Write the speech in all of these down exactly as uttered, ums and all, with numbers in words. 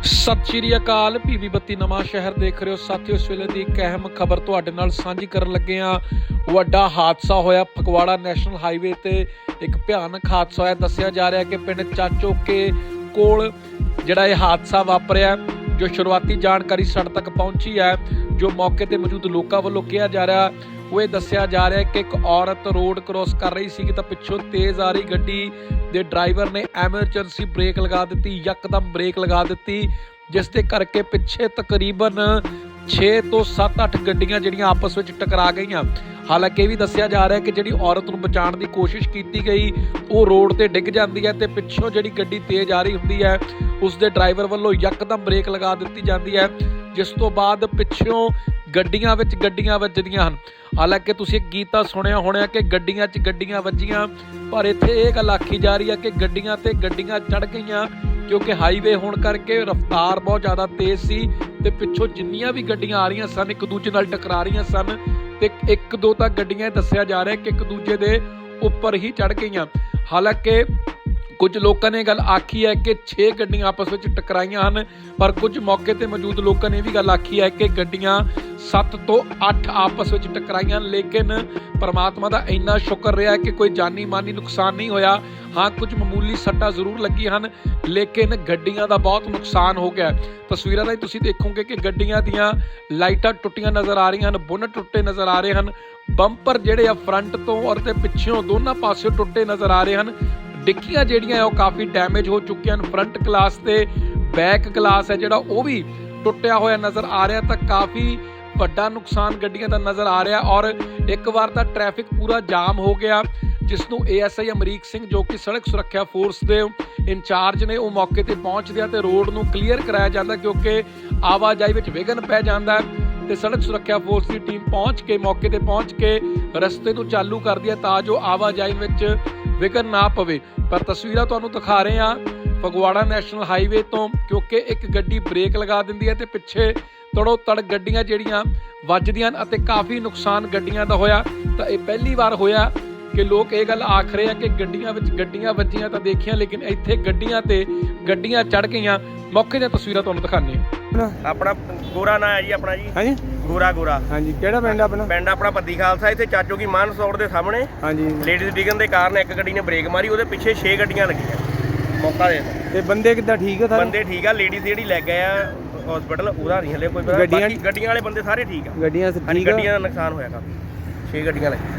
ਸਤਿ ਸ਼੍ਰੀ ਅਕਾਲ। ਪੀਵੀ ਬੱਤੀ ਨਵਾਂ ਸ਼ਹਿਰ ਦੇਖ ਰਹੇ ਹੋ ਸਾਥੀਓ। ਇਸ ਵੇਲੇ ਦੀ ਇੱਕ ਅਹਿਮ ਖਬਰ ਤੁਹਾਡੇ ਨਾਲ ਸਾਂਝੀ ਕਰਨ ਲੱਗੇ ਹਾਂ। ਵੱਡਾ ਹਾਦਸਾ ਹੋਇਆ ਫਗਵਾੜਾ ਨੈਸ਼ਨਲ ਹਾਈਵੇ ਤੇ। ਇੱਕ ਭਿਆਨਕ ਹਾਦਸਾ ਹੋਇਆ। ਦੱਸਿਆ ਜਾ ਰਿਹਾ ਕਿ ਪਿੰਡ ਚਾਚੋਕੇ ਕੋਲ ਜਿਹੜਾ ਇਹ ਹਾਦਸਾ ਵਾਪਰਿਆ। ਜੋ ਸ਼ੁਰੂਆਤੀ ਜਾਣਕਾਰੀ ਸਾਡੇ ਤੱਕ ਪਹੁੰਚੀ ਹੈ, ਜੋ ਮੌਕੇ ਤੇ ਮੌਜੂਦ ਲੋਕਾਂ ਵੱਲੋਂ ਕਿਹਾ ਜਾ ਰਿਹਾ, ਉਹ ਇਹ ਦੱਸਿਆ ਜਾ ਰਿਹਾ ਕਿ ਇੱਕ ਔਰਤ ਰੋਡ ਕ੍ਰੋਸ ਕਰ ਰਹੀ ਸੀ ਤਾਂ ਪਿੱਛੋਂ ਤੇਜ਼ ਆ ਰਹੀ ਗੱਡੀ ਦੇ ਡਰਾਈਵਰ ਨੇ ਐਮਰਜੈਂਸੀ ਬ੍ਰੇਕ ਲਗਾ ਦਿੱਤੀ, ਯਕਦਮ ਬ੍ਰੇਕ ਲਗਾ ਦਿੱਤੀ, ਜਿਸ ਦੇ ਕਰਕੇ ਪਿੱਛੇ ਤਕਰੀਬਨ ਛੇ ਤੋਂ ਸੱਤ ਅੱਠ ਗੱਡੀਆਂ ਜਿਹੜੀਆਂ ਆਪਸ ਵਿੱਚ ਟਕਰਾ ਗਈਆਂ। ਹਾਲਾਂਕਿ ਇਹ ਵੀ ਦੱਸਿਆ ਜਾ ਰਿਹਾ ਕਿ ਜਿਹੜੀ ਔਰਤ ਨੂੰ ਬਚਾਉਣ ਦੀ ਕੋਸ਼ਿਸ਼ ਕੀਤੀ ਗਈ, ਉਹ ਰੋਡ ਤੇ ਡਿੱਗ ਜਾਂਦੀ ਹੈ ਤੇ ਪਿੱਛੋਂ ਜਿਹੜੀ ਗੱਡੀ ਤੇਜ਼ ਆ ਰਹੀ ਹੁੰਦੀ ਹੈ, ਉਸ ਦੇ ਡਰਾਈਵਰ ਵੱਲੋਂ ਯਕਦਮ ਬ੍ਰੇਕ ਲਗਾ ਦਿੱਤੀ ਜਾਂਦੀ ਹੈ, ਜਿਸ ਤੋਂ ਬਾਅਦ ਪਿੱਛੋਂ ਗੱਡੀਆਂ ਵਿੱਚ ਗੱਡੀਆਂ ਵੱਜਦੀਆਂ ਹਨ। ਹਾਲਾਂਕਿ ਤੁਸੀਂ ਇੱਕ ਗੀਤ ਤਾਂ ਸੁਣਿਆ ਹੋਣਾ ਕਿ ਗੱਡੀਆਂ 'ਚ ਗੱਡੀਆਂ ਵੱਜੀਆਂ, ਪਰ ਇੱਥੇ ਇਹ ਗੱਲ ਆਖੀ ਜਾ ਰਹੀ ਹੈ ਕਿ ਗੱਡੀਆਂ ਤੇ ਗੱਡੀਆਂ ਚੜ੍ਹ ਗਈਆਂ, ਕਿਉਂਕਿ ਹਾਈਵੇ ਹੋਣ ਕਰਕੇ ਰਫ਼ਤਾਰ ਬਹੁਤ ਜ਼ਿਆਦਾ ਤੇਜ਼ ਸੀ ਤੇ ਪਿੱਛੋਂ ਜਿੰਨੀਆਂ ਵੀ ਗੱਡੀਆਂ ਆ ਰਹੀਆਂ ਸਨ ਇੱਕ ਦੂਜੇ ਨਾਲ ਟਕਰਾ ਰਹੀਆਂ ਸਨ ਤੇ ਇੱਕ ਦੋ ਤਾਂ ਗੱਡੀਆਂ ਦੱਸਿਆ ਜਾ ਰਿਹਾ ਕਿ ਇੱਕ ਦੂਜੇ ਦੇ ਉੱਪਰ ਹੀ ਚੜ੍ਹ ਗਈਆਂ। ਹਾਲਾਂਕਿ ਕੁਝ ਲੋਕਾਂ ਨੇ ਗੱਲ ਆਖੀ ਹੈ ਕਿ ਛੇ ਗੱਡੀਆਂ ਆਪਸ ਵਿੱਚ ਟਕਰਾਈਆਂ ਹਨ, ਪਰ ਕੁਝ ਮੌਕੇ ਤੇ ਮੌਜੂਦ ਲੋਕਾਂ ਨੇ ਇਹ ਵੀ ਗੱਲ ਆਖੀ ਹੈ ਕਿ ਗੱਡੀਆਂ ਸੱਤ ਤੋਂ ਅੱਠ ਆਪਸ ਵਿੱਚ ਟਕਰਾਈਆਂ। ਲੇਕਿਨ ਪਰਮਾਤਮਾ ਦਾ ਇੰਨਾ ਸ਼ੁਕਰ ਰਿਹਾ ਕਿ ਕੋਈ ਜਾਨੀ ਮਾਨੀ ਨੁਕਸਾਨ ਨਹੀਂ ਹੋਇਆ। ਹਾਂ, ਕੁਝ ਮਾਮੂਲੀ ਸੱਟਾਂ ਜ਼ਰੂਰ ਲੱਗੀਆਂ ਹਨ, ਲੇਕਿਨ ਗੱਡੀਆਂ ਦਾ ਬਹੁਤ ਨੁਕਸਾਨ ਹੋ ਗਿਆ। ਤਸਵੀਰਾਂ ਰਾਹੀਂ ਤੁਸੀਂ ਦੇਖੋਗੇ ਕਿ ਗੱਡੀਆਂ ਦੀਆਂ ਲਾਈਟਾਂ ਟੁੱਟੀਆਂ ਨਜ਼ਰ ਆ ਰਹੀਆਂ ਹਨ, ਬੋਨਟ ਟੁੱਟੇ ਨਜ਼ਰ ਆ ਰਹੇ ਹਨ, ਬੰਪਰ ਜਿਹੜੇ ਆ ਫਰੰਟ ਤੋਂ ਔਰ ਤੇ ਪਿੱਛੋਂ ਦੋਨਾਂ ਪਾਸਿਓਂ ਟੁੱਟੇ ਨਜ਼ਰ ਆ ਰਹੇ ਹਨ। ਡਿੱਕੀਆਂ ਜਿਹੜੀਆਂ ਉਹ ਕਾਫੀ ਡੈਮੇਜ ਹੋ ਚੁੱਕੀਆਂ ਹਨ। ਫਰੰਟ ਗਲਾਸ ਤੇ ਬੈਕ ਗਲਾਸ ਹੈ ਜਿਹੜਾ ਉਹ ਵੀ ਟੁੱਟਿਆ ਹੋਇਆ ਨਜ਼ਰ ਆ ਰਿਹਾ, ਤਾਂ ਕਾਫੀ ਵੱਡਾ ਨੁਕਸਾਨ ਗੱਡੀਆਂ ਦਾ ਨਜ਼ਰ ਆ ਰਿਹਾ। ਔਰ ਇੱਕ ਵਾਰ ਤਾਂ ਟ੍ਰੈਫਿਕ ਪੂਰਾ ਜਾਮ ਹੋ ਗਿਆ, ਜਿਸ ਨੂੰ A S I Amrik Singh ਜੋ ਕਿ ਸੜਕ ਸੁਰੱਖਿਆ ਫੋਰਸ ਦੇ ਇੰਚਾਰਜ ਨੇ, ਉਹ ਮੌਕੇ ਤੇ ਪਹੁੰਚਦੇ ਆ ਤੇ ਰੋਡ ਨੂੰ ਕਲੀਅਰ ਕਰਾਇਆ ਜਾਂਦਾ, ਕਿਉਂਕਿ ਆਵਾਜਾਈ ਵਿੱਚ ਵਿਘਨ ਪੈ ਜਾਂਦਾ ਹੈ ਤੇ ਸੜਕ ਸੁਰੱਖਿਆ ਫੋਰਸ ਦੀ ਟੀਮ ਪਹੁੰਚ ਕੇ ਮੌਕੇ ਤੇ ਪਹੁੰਚ ਕੇ ਰਸਤੇ ਨੂੰ ਚਾਲੂ ਕਰਦੀ ਹੈ ਤਾਂ ਜੋ ਆਵਾਜਾਈ ਵਿੱਚ ਵਿਘਨ ਨਾ ਪਵੇ। ਪਰ ਤਸਵੀਰਾਂ ਤੁਹਾਨੂੰ ਦਿਖਾ ਰਹੇ ਹਾਂ ਫਗਵਾੜਾ ਨੈਸ਼ਨਲ ਹਾਈਵੇ ਤੋਂ, ਕਿਉਂਕਿ ਇੱਕ ਗੱਡੀ ਬ੍ਰੇਕ ਲਗਾ ਦਿੰਦੀ ਹੈ ਤੇ ਪਿੱਛੇ ਤੜੋ ਤੜ ਗੱਡੀਆਂ ਜਿਹੜੀਆਂ ਵੱਜਦੀਆਂ ਹਨ ਅਤੇ ਕਾਫੀ ਨੁਕਸਾਨ ਗੱਡੀਆਂ ਦਾ ਹੋਇਆ। ਤਾਂ ਇਹ ਪਹਿਲੀ ਵਾਰ ਹੋਇਆ ਕਿ ਲੋਕ ਇਹ ਗੱਲ ਆਖ ਰਹੇ ਆ ਕਿ ਗੱਡੀਆਂ ਵਿੱਚ ਗੱਡੀਆਂ ਵੱਜੀਆਂ ਤਾਂ ਦੇਖੀਆਂ, ਲੇਕਿਨ ਇੱਥੇ ਗੱਡੀਆਂ ਤੇ ਗੱਡੀਆਂ ਚੜ੍ਹ ਗਈਆਂ। ਮੌਕੇ ਦੀਆਂ ਤਸਵੀਰਾਂ ਤੁਹਾਨੂੰ ਦਿਖਾਉਂਦੇ ਹਾਂ। ਆਪਣਾ ਗੋਰਾ ਨਾਂ ਹੈ ਜੀ ਆਪਣਾ ਜੀ। ਹਾਂਜੀ ਗੋਰਾ ਗੋਰਾ ਹਾਂਜੀ। ਕਿਹੜਾ ਪਿੰਡ ਆਪਣਾ? ਪਿੰਡ ਆਪਣਾ ਪੱਦੀ ਖਾਲਸਾ। ਇੱਥੇ ਚਾਚੋ ਕੀ ਮਾਨ ਸੌੜ ਦੇ ਸਾਹਮਣੇ ਹਾਂਜੀ ਲੇਡੀਜ਼ ਡਿੱਗਣ ਦੇ ਕਾਰਨ ਇੱਕ ਗੱਡੀ ਨੇ ਬ੍ਰੇਕ ਮਾਰੀ, ਉਹਦੇ ਪਿੱਛੇ ਛੇ ਗੱਡੀਆਂ ਲੱਗੀਆਂ ਮੌਕਾ ਦੇ। ਤੇ ਬੰਦੇ ਕਿੱਦਾਂ ਠੀਕ ਆ ਸਾਰੇ? ਬੰਦੇ ਠੀਕ ਆ। ਲੇਡੀਜ਼ ਜਿਹੜੀ ਲੈ ਗਏ ਆ ਹਸਪੀਟਲ, ਉਹਦਾ ਨਹੀਂ ਹਲੇ ਕੋਈ ਪਤਾ। ਗੱਡੀਆਂ ਬਾਕੀ ਗੱਡੀਆਂ ਵਾਲੇ ਬੰਦੇ ਸਾਰੇ ਠੀਕ ਆ। ਗੱਡੀਆਂ ਹਾਂਜੀ, ਠੀਕ ਆ। ਗੱਡੀਆਂ ਦਾ ਨੁਕਸਾਨ ਹੋਇਆ ਕਾਫੀ, ਛੇ ਗੱਡੀਆਂ ਲੱਗੀਆਂ।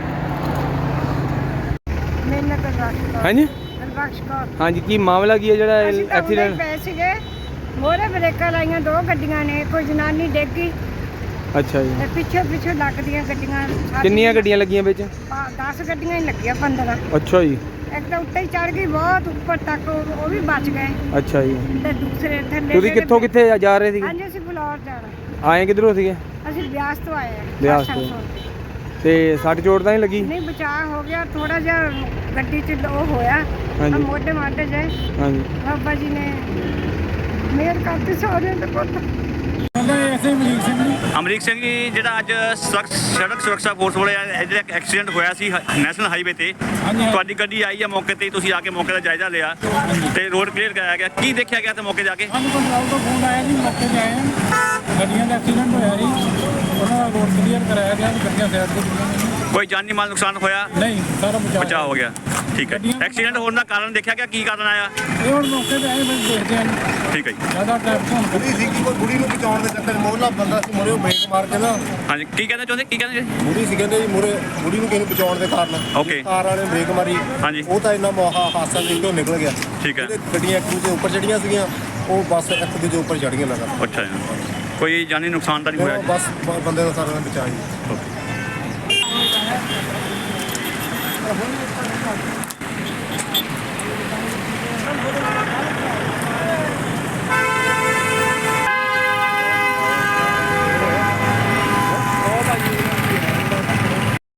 ਹਾਂਜੀ ਬਖਸ਼ ਕੌਰ। ਹਾਂਜੀ, ਕੀ ਮਾਮਲਾ ਕੀ ਹੈ ਜਿਹੜਾ ਐਕਸੀਡੈਂਟ? ਪਏ ਸੀਗੇ ਮੋਰੇ ਬ੍ਰੇਕਾਂ ਲਾਈਆਂ, ਦੋ ਗੱਡੀਆਂ ਨੇ, ਕੋਈ ਜਨਾਨੀ ਡਿੱਗ ਗਈ। ਅੱਛਾ ਜੀ। ਤੇ ਪਿੱਛੇ ਪਿੱਛੇ ਲੱਗਦੀਆਂ ਗੱਡੀਆਂ। ਕਿੰਨੀਆਂ ਗੱਡੀਆਂ ਲੱਗੀਆਂ ਵਿੱਚ? ਦਸ ਗੱਡੀਆਂ ਹੀ ਲੱਗੀਆਂ, ਪੰਦਰਾਂ। ਅੱਛਾ ਜੀ। ਇੱਕ ਤਾਂ ਉੱਤੇ ਹੀ ਚੜ ਗਈ ਬਹੁਤ ਉੱਪਰ ਤੱਕ, ਉਹ ਉਹ ਵੀ ਬਚ ਗਏ। ਅੱਛਾ ਜੀ। ਤੇ ਦੂਸਰੇ ਥੱਲੇ ਤੁਸੀਂ ਕਿੱਥੋਂ ਕਿੱਥੇ ਜਾ ਰਹੇ ਸੀਗੇ? ਹਾਂਜੀ, ਅਸੀਂ ਫਲੋਰ ਜਾਣਾ। ਆਏ ਕਿੱਧਰੋਂ ਸੀਗੇ? ਅਸੀਂ ਬਿਆਸ ਤੋਂ ਆਏ ਆ। ਬਿਆਸ ਤੋਂ। ਤੇ ਸੱਟ ਚੋਟ ਤਾਂ ਨਹੀਂ ਲੱਗੀ? ਨਹੀਂ, ਬਚਾਅ ਹੋ ਗਿਆ ਥੋੜਾ ਜਿਹਾ, ਗੱਡੀ 'ਚ ਉਹ ਹੋਇਆ ਹਾਂਜੀ। ਮੋਢੇ ਮਾਢੇ ਜੇ। ਹਾਂਜੀ। ਬਾਬਾ ਜੀ ਨੇ ਮਿਹਰ ਕਰਤੀ ਸਾਰਿਆਂ ਦੇ ਪੁੱਤ। ਅਮਰੀਕ ਸਿੰਘ ਜੀ, ਜਿਹੜਾ ਅੱਜ ਸੜਕ ਸੜਕ ਸੁਰੱਖਿਆ ਫੋਰਸ ਵੱਲੋਂ ਜਿਹੜਾ ਐਕਸੀਡੈਂਟ ਹੋਇਆ ਸੀ ਨੈਸ਼ਨਲ ਹਾਈਵੇ ਤੇ, ਤੁਹਾਡੀ ਗੱਡੀ ਆਈ ਹੈ ਮੌਕੇ ਤੇ, ਤੁਸੀਂ ਆ ਕੇ ਮੌਕੇ ਦਾ ਜਾਇਜ਼ਾ ਲਿਆ ਤੇ ਰੋਡ ਕਲੀਅਰ ਕਰਾਇਆ ਗਿਆ। ਕੀ ਦੇਖਿਆ ਗਿਆ ਤੇ ਮੌਕੇ ਜਾ ਕੇ? ਸਾਨੂੰ ਕੰਟਰੋਲ ਤੋਂ ਫੋਨ ਆਇਆ ਜੀ, ਮੌਕੇ 'ਤੇ ਆਏ ਹਾਂ। ਗੱਡੀਆਂ ਦਾ ਐਕਸੀਡੈਂਟ ਹੋਇਆ ਜੀ, ਉਹਨਾਂ ਦਾ ਰੋਡ ਕਲੀਅਰ ਕਰਾਇਆ ਗਿਆ, ਗੱਡੀਆਂ ਸਾਈਡ ਤੇ ਖੜੀਆਂ। ਕੋਈ ਜਾਨੀ ਮਾਲ ਨੁਕਸਾਨ ਹੋਇਆ? ਨਹੀਂ, ਸਾਰਾ ਬਚਾਅ ਬਚਾਅ ਹੋ ਗਿਆ। ਠੀਕ ਹੈ। ਐਕਸੀਡੈਂਟ ਹੋਣ ਦਾ ਕਾਰਨ ਦੇਖਿਆ ਗਿਆ? ਕੀ ਕਾਰਨ ਆਇਆ? ਇਹ ਹੁਣ ਮੌਕੇ 'ਤੇ ਆਏ ਬਸ ਦੇਖਦੇ ਹਾਂ ਜੀ। ਠੀਕ ਹੈ ਜੀ। ਜ਼ਿਆਦਾ ਟ੍ਰੈਫਿਕ ਹੋਣ ਬੁੜੀ ਸੀਗੀ, ਕੋਈ ਬੁੜੀ ਨੂੰ ਬਚਾਉਣ ਦੇ ਚੱਕਰ ਮੋਹਲਾ ਬੰਦਾ ਸੀ ਮੋਰੇ, ਉਹ ਬ੍ਰੇਕ ਮਾਰ ਕੇ ਨਾ। ਹਾਂਜੀ, ਕੀ ਕਹਿਣਾ ਚਾਹੁੰਦੇ? ਕੀ ਕਹਿੰਦੇ ਜੀ? ਬੁੜੀ ਸੀ ਕਹਿੰਦੇ ਜੀ ਮੋਰੇ, ਬੁੜੀ ਨੂੰ ਕਿਸੇ ਨੂੰ ਬਚਾਉਣ ਦੇ ਕਾਰਨ ਓਕੇ। ਕਾਰ ਵਾਲੇ ਨੇ ਬ੍ਰੇਕ ਮਾਰੀ। ਹਾਂਜੀ। ਉਹ ਤਾਂ ਇੰਨਾ ਮੋਹਾ ਹਾਦਸਾ ਦੇਖ ਕੇ ਉਹ ਨਿਕਲ ਗਿਆ। ਠੀਕ ਹੈ। ਜਿਹੜੇ ਗੱਡੀਆਂ ਇੱਕ ਦੂਜੇ ਉੱਪਰ ਚੜੀਆਂ ਸੀਗੀਆਂ, ਉਹ ਬੱਸ ਇੱਕ ਦੂਜੇ ਉੱਪਰ ਚੜ ਗਈਆਂ ਲਗਾ। ਅੱਛਾ ਜੀ। ਕੋਈ ਜਾਨੀ ਨੁਕਸਾਨ ਤਾਂ ਨਹੀਂ ਹੋਇਆ ਜੀ? ਬਸ ਬ- ਬੰਦੇ ਦਾ ਸਾਰਾ ਬਚਾਅ ਜੀ। ਓਕੇ।